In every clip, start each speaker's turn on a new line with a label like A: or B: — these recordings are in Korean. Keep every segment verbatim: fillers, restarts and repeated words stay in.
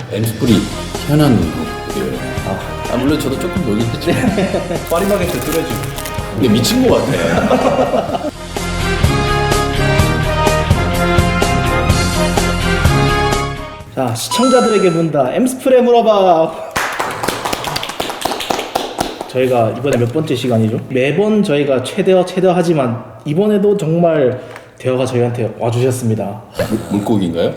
A: 엠스프리 희한한 곡이에요. 아, 아, 물론 저도 조금 놀긴 했죠.
B: 파리바게트 뚜레쥬.
A: 근데 미친 것 같아.
B: 자, 시청자들에게 묻는다. 엠스프레 물어봐. 저희가 이번에 몇 번째 시간이죠? 매번 저희가 최대화 최대화 하지만 이번에도 정말 대화가 저희한테 와주셨습니다.
A: 물, 물고기인가요?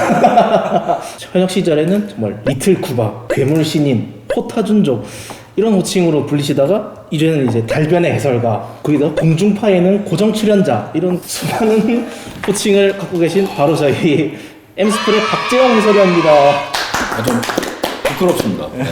B: 현역 시절에는 정말 리틀 쿠바, 괴물 신인, 포타준족 이런 호칭으로 불리시다가 이제는 이제 달변의 해설가, 거기다 공중파에는 고정 출연자 이런 수많은 호칭을 갖고 계신 바로 저희 엠스프레 박재영 해설위원입니다.
A: 아, 좀 부끄럽습니다. 네.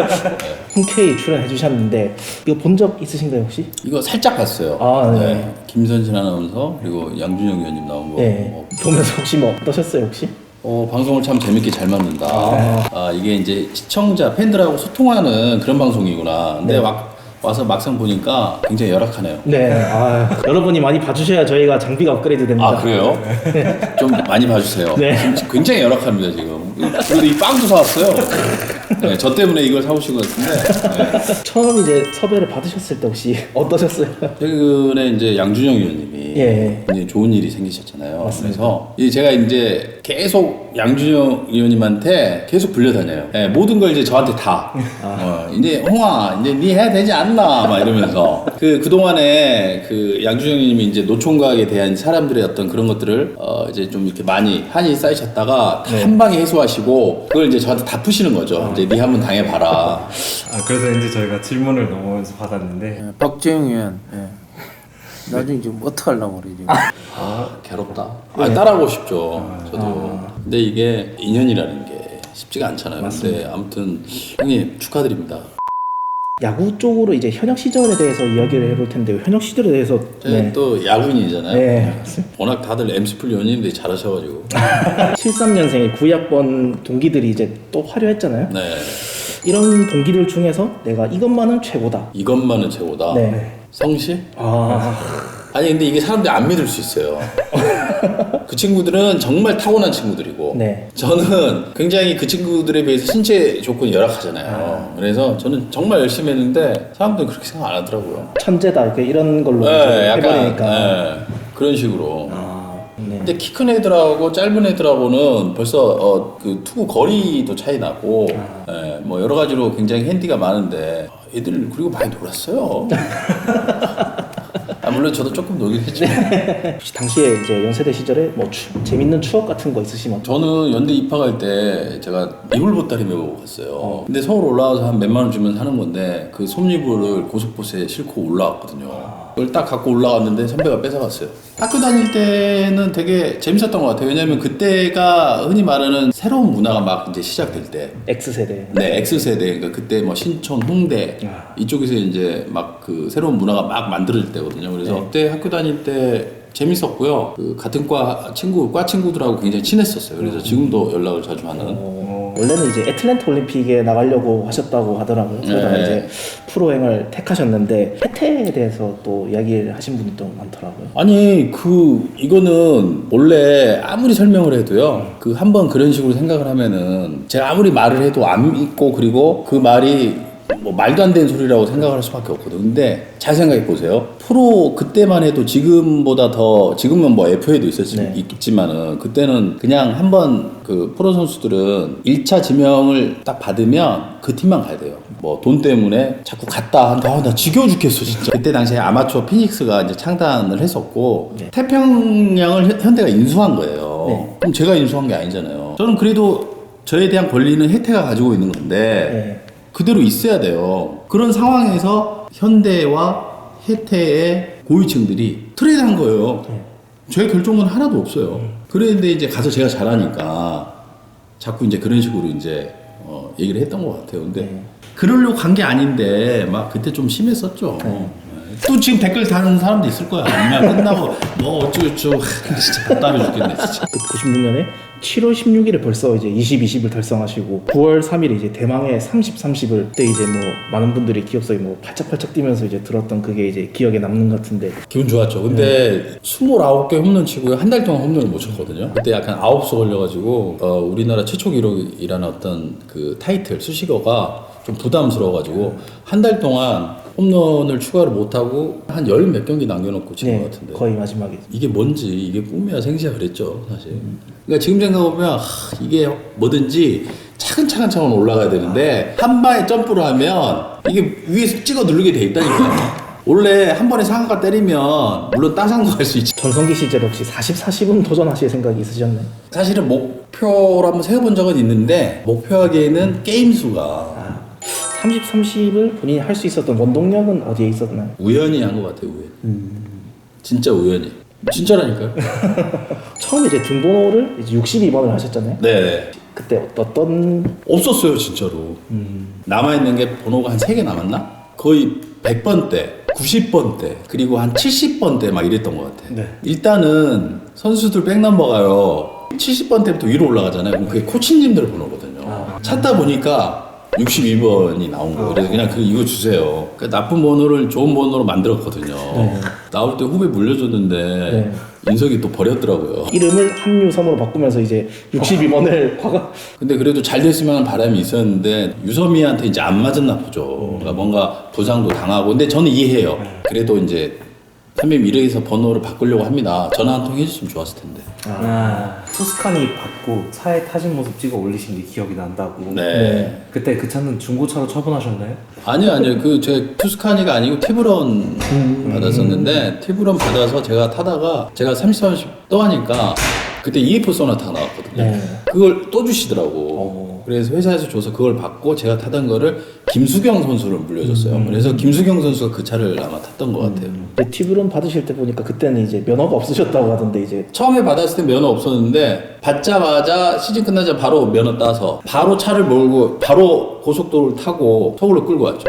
B: 흔쾌히 출연해 주셨는데 이거 본 적 있으신가요 혹시?
A: 이거 살짝 봤어요.
B: 아, 네.
A: 네. 김선진 아나운서 그리고 양준영 위원님 나온 거.
B: 네.
A: 뭐,
B: 보면서 혹시 뭐 어떠셨어요 혹시?
A: 어, 방송을 참 재밌게 잘 만든다.
B: 아.
A: 아, 이게 이제 시청자, 팬들하고 소통하는 그런 방송이구나. 근데
B: 네.
A: 막 와서 막상 보니까 굉장히 열악하네요.
B: 네. 아, 여러분이 많이 봐주셔야 저희가 장비가 업그레이드 됩니다.
A: 아, 그래요? 좀 많이 봐주세요.
B: 네.
A: 지금 굉장히 열악합니다, 지금. 그래도 이 빵도 사왔어요. 네, 저 때문에 이걸 사오신 것 같은데. 네.
B: 처음 이제 섭외를 받으셨을 때 혹시 어떠셨어요?
A: 최근에 이제 양준영 위원님이
B: 예.
A: 굉장히 좋은 일이 생기셨잖아요.
B: 맞습니다.
A: 그래서 이 제가 이제 계속 양준영 위원님한테 계속 불려다녀요. 예, 모든 걸 이제 저한테 다. 어, 이제 홍아, 이제 네 해야 되지 않나 막 이러면서 그 그동안에 그 양준영 위원님이 이제 노총각에 대한 사람들의 어떤 그런 것들을 어, 이제 좀 이렇게 많이 한이 쌓이셨다가 다
B: 네.
A: 한 방에 해소하시고 그걸 이제 저한테 다 푸시는 거죠. 이제 네 한번 당해봐라.
C: 아 그래서 이제 저희가 질문을 넘어오면서 받았는데
D: 예, 박재영 의원, 예. 나중에 지금 어떡하려고 그래 지금.
A: 아, 괴롭다. 아, 따라하고 싶죠. 저도. 근데 이게 인연이라는 게 쉽지가 않잖아요. 근데 아무튼 형님 축하드립니다.
B: 야구 쪽으로 이제 현역 시절에 대해서 이야기를 해볼 텐데 현역 시절에 대해서
A: 저희 또 야구인이잖아요.
B: 네.
A: 워낙 다들 엠스플 연예인들이 잘하셔가지고.
B: 칠십삼 년생의 구위 학번 동기들이 이제 또 화려했잖아요.
A: 네.
B: 이런 동기들 중에서 내가 이것만은 최고다.
A: 이것만은 최고다.
B: 네.
A: 성실?
B: 아,
A: 아니 근데 이게 사람들이 안 믿을 수 있어요. 그 친구들은 정말 타고난 친구들이고
B: 네.
A: 저는 굉장히 그 친구들에 비해서 신체 조건이 열악하잖아요. 그래서 저는 정말 열심히 했는데 사람들은 그렇게 생각 안 하더라고요.
B: 천재다 이렇게 이런 걸로
A: 네,
B: 이제
A: 약간
B: 해버리니까.
A: 네, 그런 식으로.
B: 아, 네.
A: 근데 키 큰 애들하고 짧은 애들하고는 벌써 어, 그 투구 거리도 차이 나고 예, 뭐 여러 가지로 굉장히 핸디가 많은데 애들 그리고 많이 놀았어요. 아, 물론 저도 조금 놀긴 했죠.
B: 혹시 당시에 이제 연세대 시절에 뭐 추, 재밌는 추억 같은 거 있으시면?
A: 저는 연대 입학할 때 제가 이불 보따리 메고 갔어요. 근데 서울 올라와서 한 몇만 원 주면 사는 건데 그 솜이불을 고속버스에 싣고 올라왔거든요. 그걸 딱 갖고 올라갔는데 선배가 뺏어갔어요. 학교 다닐 때는 되게 재밌었던 것 같아요. 왜냐면 그때가 흔히 말하는 새로운 문화가 막 이제 시작될 때.
B: X세대.
A: 네, X세대. 그러니까 그때 뭐 신촌, 홍대 이쪽에서 이제 막 그 새로운 문화가 막 만들어질 때거든요. 그래서
B: 네.
A: 그때 학교 다닐 때 재밌었고요. 그 같은 과 친구, 과 친구들하고 굉장히 친했었어요. 그래서 지금도 연락을 자주 하는.
B: 어, 원래는 이제 애틀랜타 올림픽에 나가려고 하셨다고 하더라고요. 그러다가
A: 네.
B: 이제 프로행을 택하셨는데 혜태에 대해서 또 이야기를 하신 분들도 많더라고요.
A: 아니 그 이거는 원래 아무리 설명을 해도요. 그 한번 그런 식으로 생각을 하면은 제가 아무리 말을 해도 안 믿고 그리고 그 말이 뭐 말도 안 되는 소리라고 생각을 할 수밖에 없거든. 근데 잘 생각해 보세요. 프로 그때만 해도 지금보다 더 지금은 뭐 에프에이도 있었지
B: 네.
A: 있지만은 그때는 그냥 한번 그 프로 선수들은 일 차 지명을 딱 받으면 그 팀만 가야 돼요. 뭐 돈 때문에 자꾸 갔다 한다. 아, 나 지겨워 죽겠어 진짜. 그때 당시에 아마추어 피닉스가 이제 창단을 했었고
B: 네.
A: 태평양을 현- 현대가 인수한 거예요.
B: 네.
A: 그럼 제가 인수한 게 아니잖아요. 저는 그래도 저에 대한 권리는 혜태가 가지고 있는 건데
B: 네.
A: 그대로 있어야 돼요. 그런 상황에서 현대와 혜태의 고위층들이 트레이드한 거예요. 저의 결정은 하나도 없어요. 그런데 이제 가서 제가 잘하니까 자꾸 이제 그런 식으로 이제 어, 얘기를 했던 것 같아요. 근데
B: 네.
A: 그러려고 간 게 아닌데 막 그때 좀 심했었죠.
B: 네.
A: 또 지금 댓글 다는 사람도 있을 거야. 그냥 끝나고 뭐 어쩌고저쩌고 진짜 답답해 죽겠네 진짜.
B: 그 구십육 년에 칠월 십육일에 벌써 이제 이십, 이십을 달성하시고 구월 삼일에 이제 대망의 삼십, 삼십을 그때 이제 뭐 많은 분들이 기억 속에 뭐 팔짝팔짝 뛰면서 이제 들었던 그게 이제 기억에 남는 것 같은데
A: 기분 좋았죠. 근데 스물아홉 개 홈런 치고요. 한 달 동안 홈런을 못 쳤거든요. 그때 약간 아홉수 걸려가지고 어, 우리나라 최초 기록이라는 어떤 그 타이틀 수식어가 좀 부담스러워가지고 한 달 동안 홈런을 추가를 못하고 한 열 몇 경기 남겨놓고 친 것
B: 네,
A: 같은데
B: 거의 마지막에
A: 이게 뭔지 이게 꿈이야 생시야 그랬죠 사실. 그러니까 지금 생각해보면 하, 이게 뭐든지 차근차근 차근 올라가야 되는데 한 방에 점프를 하면 이게 위에서 찍어 누르게 돼 있다니까요. 원래 한 번에 상한가 때리면 물론 따상도 할 수 있지.
B: 전성기 시절 혹시 사십, 사십은 도전하실 생각이 있으셨나요?
A: 사실은 목표로 한번 세워본 적은 있는데 목표하기에는 게임 수가
B: 삼십, 삼십을 본인이 할 수 있었던 원동력은 어디에 있었나요?
A: 우연히 한 것 같아요. 우연. 진짜 우연히. 진짜라니까요.
B: 처음에 이제 등번호를 이제 육십이 번을 하셨잖아요.
A: 네.
B: 그때 어떤
A: 없었어요 진짜로. 남아있는 게 번호가 한 세 개 남았나? 거의 백 번대, 구십 번대, 그리고 한 칠십 번대 막 이랬던 것 같아.
B: 네.
A: 일단은 선수들 백넘버가요 칠십 번대부터 위로 올라가잖아요. 그럼 그게 코치님들 번호거든요.
B: 아.
A: 찾다 보니까 육십이 번이 나온 거예요. 그래서 그냥 그 이거 주세요. 그 나쁜 번호를 좋은 번호로 만들었거든요.
B: 네.
A: 나올 때 후배 물려줬는데
B: 네.
A: 인석이 또 버렸더라고요.
B: 이름을 한유섬으로 바꾸면서 이제 육십이 번을 과거
A: 근데 그래도 잘 됐으면 하는 바람이 있었는데 유섬이한테 이제 안 맞았나 보죠. 그러니까 뭔가 부상도 당하고. 근데 저는 이해해요. 그래도 이제 선배님 이래서 번호를 바꾸려고 합니다. 전화 한 통 해줬으면 좋았을 텐데.
C: 아, 투스카니 받고 차에 타신 모습 찍어 올리신 게 기억이 난다고.
A: 네.
B: 네.
C: 그때 그 차는 중고차로 처분하셨나요?
A: 아니요, 아니요. 그 제 투스카니가 아니고 티브런 받았었는데 티브런 받아서 제가 타다가 제가 삼십, 삼십 또 하니까 그때 이에프 소나타 나왔거든요.
B: 네.
A: 그걸 또 주시더라고.
B: 어.
A: 그래서 회사에서 줘서 그걸 받고 제가 타던 거를 김수경 선수를 물려줬어요. 그래서 김수경 선수가 그 차를 아마 탔던 것 같아요.
B: 이제 팁으론 받으실 때 보니까 그때는 이제 면허가 없으셨다고 하던데 이제
A: 처음에 받았을 때 면허 없었는데 받자마자 시즌 끝나자 바로 면허 따서 바로 차를 몰고 바로 고속도로를 타고 서울로 끌고 왔죠.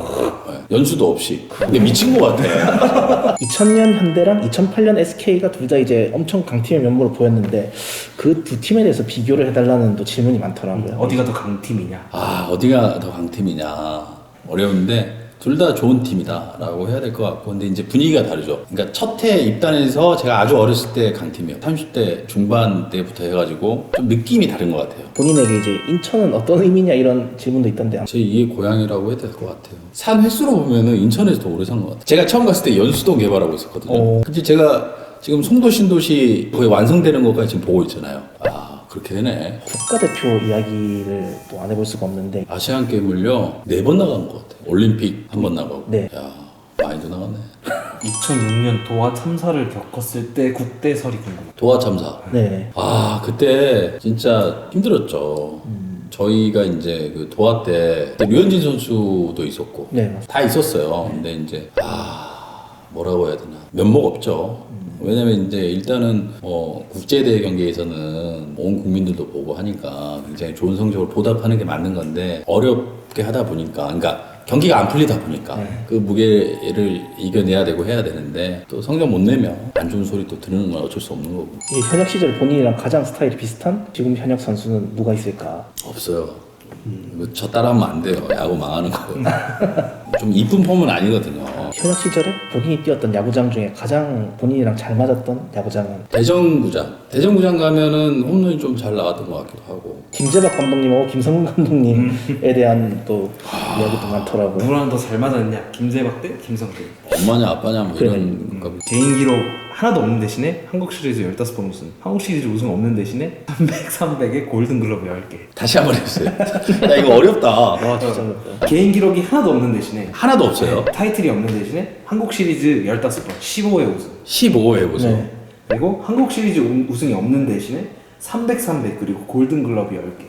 A: 네, 연수도 없이. 근데 미친 것 같아.
B: 이천 년 현대랑 이천팔 년 에스케이가 둘 다 이제 엄청 강팀의 면모를 보였는데 그 두 팀에 대해서 비교를 해달라는 또 질문이 많더라고요.
C: 어디가 더 강팀이냐?
A: 아 어디가 더 강팀이냐 어려운데 둘 다 좋은 팀이다라고 해야 될 것 같고 근데 이제 분위기가 다르죠. 그러니까 첫 해 입단해서 제가 아주 어렸을 때 강팀이에요. 삼십 대 중반 때부터 해가지고 좀 느낌이 다른 것 같아요.
B: 본인에게 이제 인천은 어떤 의미냐 이런 질문도 있던데
A: 제 이의 고향이라고 해야 될 것 같아요. 산 횟수로 보면은 인천에서 더 오래 산 것 같아요. 제가 처음 갔을 때 연수동 개발하고 있었거든요.
B: 어.
A: 근데 제가 지금 송도 신도시 거의 완성되는 것까지 지금 보고 있잖아요. 아 그렇게 되네.
B: 국가대표 이야기를 또 안 해볼 수가 없는데
A: 아시안 게임을요 네 번 나간 것 같아요. 올림픽 한 번 나가고.
B: 네.
A: 야 많이도 나갔네.
C: 이천육 년 도하 참사를 겪었을 때 국대설이 궁금해요.
A: 도하 참사.
B: 네.
A: 아 그때 진짜 힘들었죠. 저희가 이제 그 도하 때 그때 류현진 선수도 있었고
B: 네, 맞습니다.
A: 다 있었어요. 근데 이제 아 뭐라고 해야 되나 면목 없죠. 왜냐면 이제 일단은 뭐 국제대회 경기에서는 온 국민들도 보고 하니까 굉장히 좋은 성적을 보답하는 게 맞는 건데 어렵게 하다 보니까 그러니까 경기가 안 풀리다 보니까
B: 네.
A: 그 무게를 이겨내야 되고 해야 되는데 또 성적 못 내면 안 좋은 소리 또 들으는 건 어쩔 수 없는 거고.
B: 이 현역 시절 본인이랑 가장 스타일이 비슷한 지금 현역 선수는 누가 있을까?
A: 없어요. 이거 저 따라하면 안 돼요. 야구 망하는 거. 좀 이쁜 폼은 아니거든요.
B: 현역 시절에 본인이 뛰었던 야구장 중에 가장 본인이랑 잘 맞았던 야구장은
A: 대전구장. 대전구장 가면은 홈런이 좀 잘 나갔던 것 같기도 하고.
B: 김재박 감독님하고 김성근 감독님에 대한 또 이야기도 많더라고요.
C: 누구랑 더 잘 맞았냐? 김재박 대 김성태.
A: 엄마냐 아빠냐 뭐
B: 그래.
A: 이런 거.
C: 개인 기록 하나도 없는 대신에 한국 시리즈 열다섯 번 우승, 한국 시리즈 우승 없는 대신에 삼백, 삼백에 골든글러브 열 개.
A: 다시 한번 해주세요. 야 이거 어렵다.
B: 와 진짜 어렵다.
C: 개인 기록이 하나도 없는 대신에
A: 하나도 없어요.
C: 타이틀이 없는 대신에 한국 시리즈 열다섯 번, 십오 회 우승.
A: 십오 회 해보세요.
B: 네.
C: 그리고 한국 시리즈 우- 우승이 없는 대신에 삼백, 삼백 그리고 골든글러브 열 개.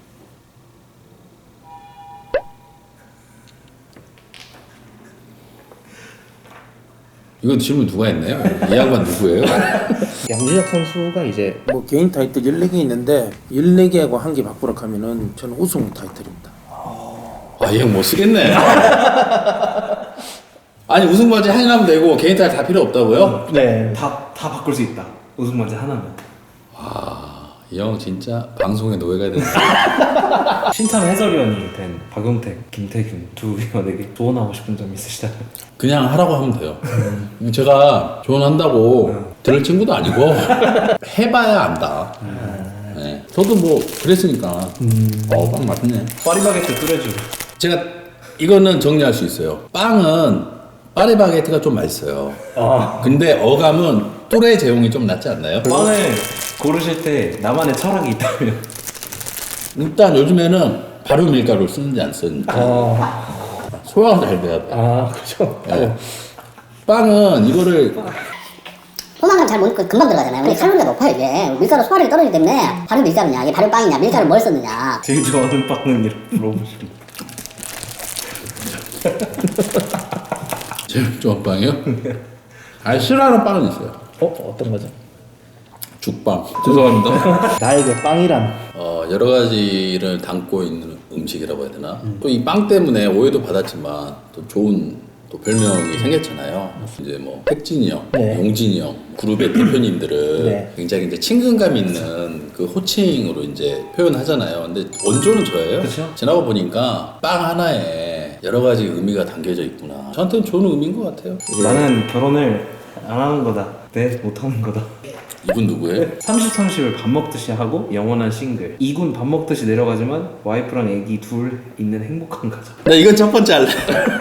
A: 이거 질문 누가 했나요? 이 양반 누구예요?
B: 양준혁 선수가 이제
D: 뭐 개인 타이틀 열네 개 있는데 열네 개하고 한 개 바꾸라 하면은 저는 우승 타이틀입니다.
A: 아, 이 형 못 쓰겠네. 아니 우승 바지 하나면 되고 개인 타일 다 필요 없다고요?
B: 네.
C: 다, 다 바꿀 수 있다. 우승 반지 하나면.
A: 이 형 진짜 방송에 노예가 된다.
C: 신참 해설위원이 된 박용택, 김태균 두 위원에게 조언하고 싶은 점 있으시다면?
A: 그냥 하라고 하면 돼요. 제가 조언한다고 들을 친구도 아니고 해봐야 안다. 네. 저도 뭐 그랬으니까. 어, 빵 맛있네.
C: 파리바게트 끓여주고.
A: 제가 이거는 정리할 수 있어요. 빵은 파리바게트가 좀 맛있어요.
B: 아.
A: 근데 어감은 또래 제용이 좀 낫지 않나요?
C: 빵을 고르실 때 나만의 철학이 있다면?
A: 일단 요즘에는 발효 밀가루를 쓰는지 안 쓰는지
B: 아,
A: 소화가 잘 돼야 돼.
B: 아 그렇죠.
A: 네. 빵은 이거를
E: 포만감 잘 먹으니까 금방 들어가잖아요. 근데 칼로리가 높아요, 이게. 밀가루 소화력이 떨어지기 때문에 발효 밀가루냐, 이게 발효 빵이냐, 밀가루 뭘 썼느냐.
C: 제일 좋아하는 빵은 이렇게 물어보시면.
A: 제일 좋은 빵이요? 아니 싫어하는 빵은 있어요.
B: 어 어떤 거죠?
A: 죽빵. 죄송합니다.
B: 나에게 빵이란.
A: 어, 여러 가지를 담고 있는 음식이라고 해야 되나? 또 이 빵 때문에 오해도 받았지만 또 좋은 또 별명이 생겼잖아요. 이제 뭐 택진이 형,
B: 네.
A: 용진이 형 그룹의 대표님들은
B: 네.
A: 굉장히 이제 친근감 있는 그 호칭으로 이제 표현하잖아요. 근데 원조는 저예요.
C: 그쵸?
A: 지나고 보니까 빵 하나에 여러 가지 의미가 담겨져 있구나. 저한테는 좋은 의미인 것 같아요.
C: 나는 결혼을 안 하는 거다. 네, 못 하는 거다.
A: 이분 누구예요?
C: 삼십, 삼십을 밥 먹듯이 하고 영원한 싱글. 이군 밥 먹듯이 내려가지만 와이프랑 애기 둘 있는 행복한 가정.
A: 나 이건 첫 번째 할래.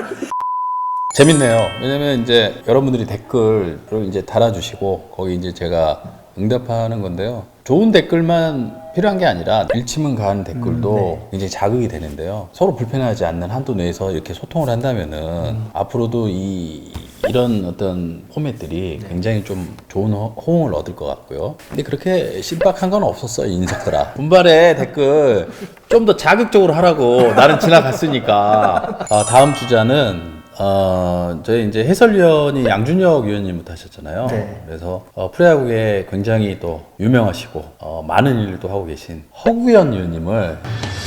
A: 재밌네요. 왜냐면 이제 여러분들이 댓글을 이제 달아주시고 거기 이제 제가 응답하는 건데요. 좋은 댓글만 필요한 게 아니라 일침은 가는 댓글도 굉장히 자극이 되는데요. 서로 불편하지 않는 한도 내에서 이렇게 소통을 한다면은 앞으로도 이 이런 어떤 포맷들이 굉장히 좀 좋은 호- 호응을 얻을 것 같고요. 근데 그렇게 신박한 건 없었어요, 인석들아. 분발의 댓글 좀 더 자극적으로 하라고. 나는 지나갔으니까. 아, 다음 주자는 어, 저희 이제 해설위원이 양준혁 위원님부터 하셨잖아요.
B: 네.
A: 그래서 어, 프로야구에 굉장히 또 유명하시고 어, 많은 일도 하고 계신 허구현 위원님을